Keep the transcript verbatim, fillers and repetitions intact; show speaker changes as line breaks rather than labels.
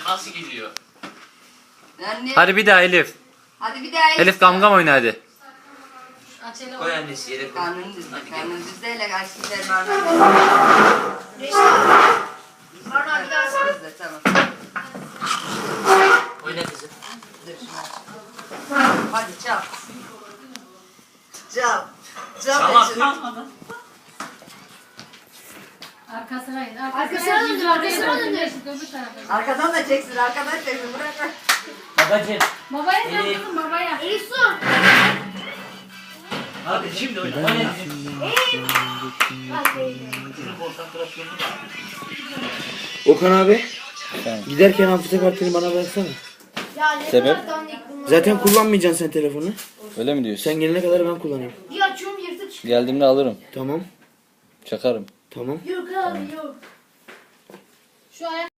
nasıl gidiyor?
Anne.
Hadi bir daha Elif.
Hadi bir daha.
Elif gamgam oyna hadi.
Koy annesi yere koy.
Karnın düzde. Karnın düzde hele karşılar barnağı.
Barnağı bir daha sar.
Düzde tamam.
Oyna kızım.
Dur şunu aç. Hadi çal. Çal. Çal.
Tamam.
Tamam.
Arkasına in.
Arkasına döndür, arkasına döndür.
Öbür tarafa.
Arkadan da çeksin. Arkadan çeksin. Bırak bırak.
Babacığım.
Babaya sen
Elif.
kızım babaya.
Elif su.
Hadi şimdi oyna. Oyna.
Bak böyle.
Şunun konsantrasyonunu da.
Okan abi
Efendim?
giderken hafıza kartını bana bıraksana.
Ya ne
Sebep?
kadar dandik bunlar.
Zaten kullanmayacaksın sen telefonu.
Öyle mi diyorsun?
Sen gelene kadar ben kullanayım.
Bir açıyorum yırtık çıkıyor.
Geldiğimde alırım.
Tamam.
Çakarım.
Tamam.
Yok abi yok.
Şu ayak